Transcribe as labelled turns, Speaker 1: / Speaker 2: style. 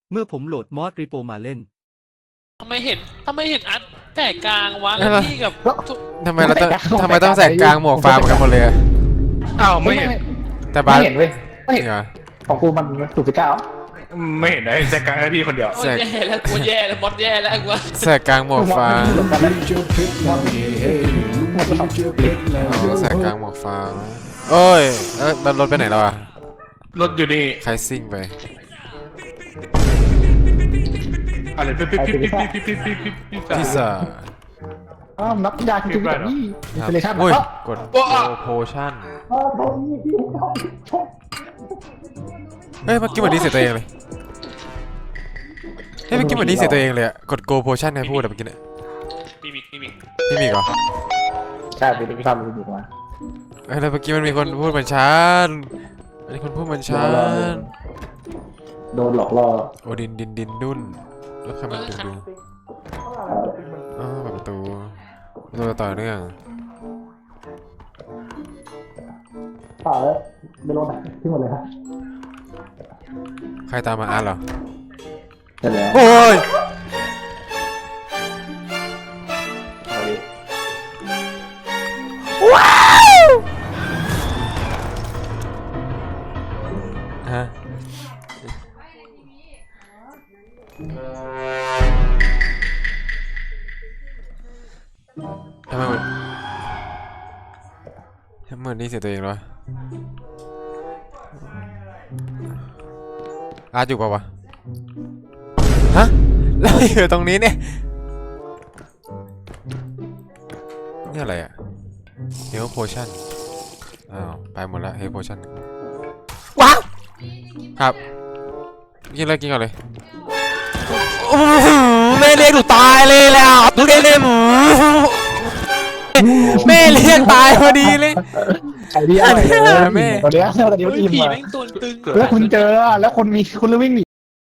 Speaker 1: เมื่อผมโหลดมอดรีโปมาเล่น
Speaker 2: ทำไมเห็นอัดแต่กลางวะแล้วพี่กับ
Speaker 3: ทำไมต้องแสกกลางหมวกฟาร์มกันหมดเลย
Speaker 4: อ้าวไม่เห็น
Speaker 3: แต่บ้า
Speaker 5: ไม่
Speaker 3: น
Speaker 5: เห็นเว้ยไม่เห็น
Speaker 3: เหรอ
Speaker 5: ของกูมันถูกสิบเก้า
Speaker 4: ไม่เห็นนะแจ็คกันให้พี่คนเดียว
Speaker 2: โอ้ยแย่แล้วกูแย่แล้วมดแย่แล้วกูว่า
Speaker 3: แสกกลางหมวกฟาร์มแสกกลางหมวกฟาร์มโอ้ยมันรถไปไหนแล้วอะ
Speaker 4: รถอยู่นี่
Speaker 3: ใครซิ่งไป
Speaker 4: อะไรปิ๊บปิ๊บปิ๊บปิ๊บปิ๊บปิ๊บปิ๊บปิ๊บปิ๊บ
Speaker 3: พิซซ่า
Speaker 5: อ้าวนับยาคือแบบนี้อินสตาเลชั่น
Speaker 3: โอ้ย
Speaker 5: อ๋อก
Speaker 3: ดโพชั่น
Speaker 5: ตรงนี้ที่ชก
Speaker 3: เฮ้ยเมื่อกี้เหมือนดีเสียตัวเองเลยเฮ้ยเมื่อกี้เหมือนดีเสียตัวเองเลยอะกดโกโพชั่นให้พูดอะเมื่อกี้เนี่ย
Speaker 4: นี่มี
Speaker 3: นี่มีเหรอ
Speaker 5: ใช่เป็นทำมันอยู่มา
Speaker 3: เฮ้ยแล้วเมื่อกี้มันมีคนพูดเหมือนฉันมีคนพูดเหมือนฉัน
Speaker 5: โดนหลอกล่อ
Speaker 3: โอดินดินดุนแล้วใครมันดูอ๋อเปิดประตูต่อเนื่อง
Speaker 5: ป่าแล้วไม่รู้ไหนที่หมดเลยฮะ
Speaker 3: ใครตามมาอ่านเหรอ
Speaker 5: เสร็จแล้ว
Speaker 3: โอ้ย
Speaker 5: เอาดิ
Speaker 3: ฮะทำไมเหมือนนี่เสียตัวเองเหรออาร์ตอยู่ปะวะฮะแล้วอยู่ตรงนี้เนี่ยนี่อะไรอ่ะเฮลโพชั่นอ้าวไปหมดแล้วเฮลโพชั่นว้าวครับกินเลยกินก่อนเลยแม่เรียกหนูตายเลยแล้วดูได้เลยแม่เรียกตายพอดีเลย
Speaker 5: ไอ้ที่อะไรแม่ตอนนี้มัน
Speaker 2: เฮ้ย
Speaker 5: อิ่ม
Speaker 2: ผี
Speaker 5: อ่ะ
Speaker 2: แม่งตัวตึง
Speaker 5: แล้วคุณเจอแล้วคุณวิ่งหนี